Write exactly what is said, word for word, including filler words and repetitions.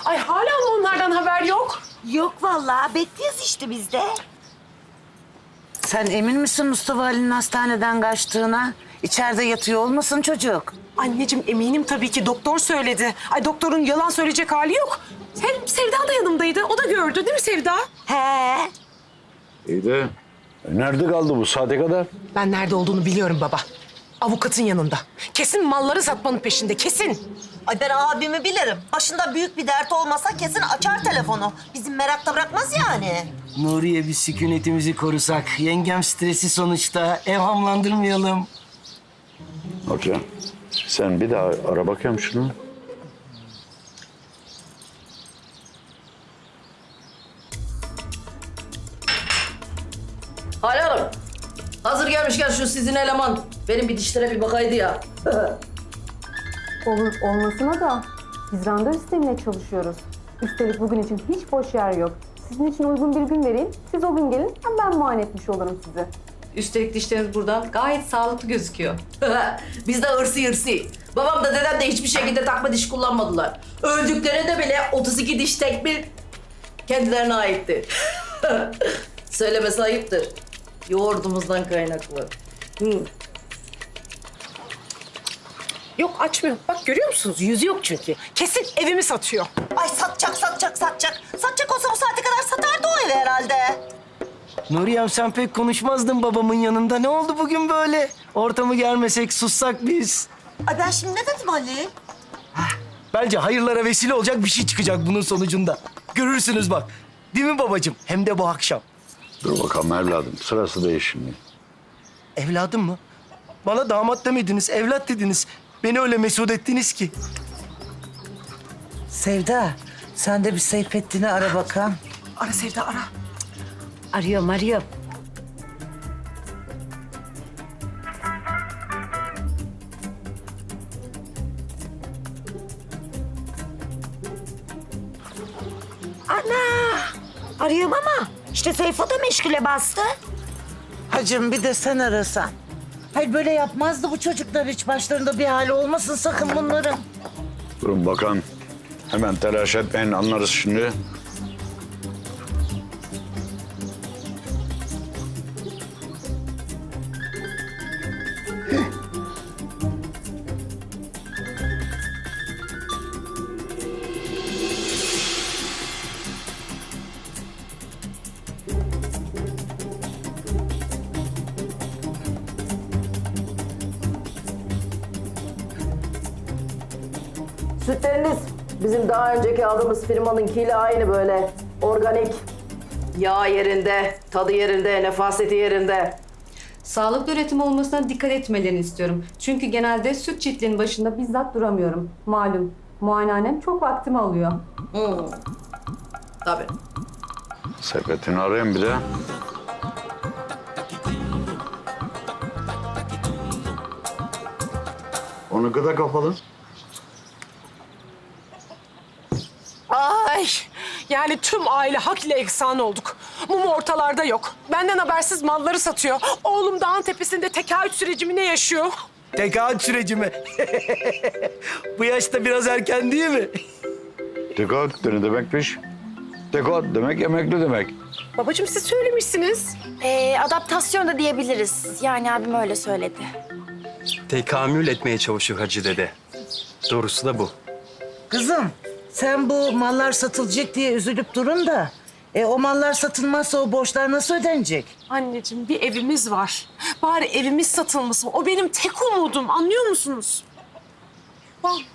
Ay hala mı onlardan haber yok? Yok vallahi bekliyoruz işte biz de. Sen emin misin Mustafa Ali'nin hastaneden kaçtığına? İçeride yatıyor olmasın çocuk? Anneciğim eminim tabii ki doktor söyledi. Ay doktorun yalan söyleyecek hali yok. Hem Sevda da yanımdaydı. O da gördü değil mi Sevda? He. İyi de e, nerede kaldı bu saate kadar? Ben nerede olduğunu biliyorum baba. Avukatın yanında. Kesin malları satmanın peşinde kesin. Ay ben abimi bilirim. Başında büyük bir dert olmasa kesin açar telefonu. Bizim merakta bırakmaz yani. Nuriye bir sükunetimizi korusak. Yengem stresi sonuçta. Evhamlandırmayalım. Hocam sen bir daha ara bakayım şunu. Hale Hanım, hazır gelmişken şu sizin eleman benim bir dişlere bir bakaydı ya. Olur olmasına da biz randevu sistemiyle çalışıyoruz. Üstelik bugün için hiç boş yer yok. Sizin için uygun bir gün vereyim. Siz o gün gelin hem ben muayene etmiş olurum sizi. Üstelik dişleriniz buradan gayet sağlıklı gözüküyor. Biz de hırsı hırsı. Babam da dedem de hiçbir şekilde takma diş kullanmadılar. Öldüklerinde bile otuz iki diş tekmil kendilerine aitti. Söylemesi ayıptır. Yoğurdumuzdan kaynaklı. Hı. Yok açmıyor. Bak görüyor musunuz? Yüzü yok çünkü. Kesin evimi satıyor. Ay satacak, satacak, satacak. Satacak olsa bu saate kadar satardı o evi herhalde. Nuriyem sen pek konuşmazdın babamın yanında. Ne oldu bugün böyle? Ortamı germesek, sussak biz. Ay ben şimdi ne dedim Ali? Bence hayırlara vesile olacak bir şey çıkacak bunun sonucunda. Görürsünüz bak. Değil mi babacığım? Hem de bu akşam. Dur bakalım evladım sırası değil şimdi. Evladım mı? Bana damat demediniz, evlat dediniz. Beni öyle mesut ettiniz ki. Sevda, sen de bir Seyfettin'i ara bakalım. Ara Sevda ara. Arıyorum, arıyorum. Ana! Arıyorum ama işte Seyfo da meşgule bastı. Hacım bir de sen arasan. Hayır böyle yapmazdı bu çocuklar hiç. Başlarında bir hali olmasın sakın bunların. Durun bakalım. Hemen telaş etmeyin anlarız şimdi. Sütleriniz bizim daha önceki aldığımız firmanınkiyle aynı böyle organik. Yağ yerinde, tadı yerinde, nefaseti yerinde. Sağlıklı üretim olmasına dikkat etmelerini istiyorum. Çünkü genelde süt çiftliğinin başında bizzat duramıyorum. Malum muayenehanem çok vaktimi alıyor. Hmm. Tabii. Sepetini arayayım bir de. Onu gıda kapalı. Ay yani tüm aile hak ile eksan olduk. Mum ortalarda yok. Benden habersiz malları satıyor. Oğlum dağın tepesinde tekaüt sürecimi ne yaşıyor? Tekaüt süreci mi? Bu yaşta biraz erken değil mi? Tekaüt ne demekmiş? Tekaüt demek emekli demek. Babacığım siz söylemişsiniz. Ee, adaptasyon da diyebiliriz. Yani abim öyle söyledi. Tekamül etmeye çalışıyor Hacı dede. Doğrusu da bu. Kızım, sen bu mallar satılacak diye üzülüp durun da... E, o mallar satılmazsa o borçlar nasıl ödenecek? Anneciğim bir evimiz var. Bari evimiz satılmasın. O benim tek umudum anlıyor musunuz? Bak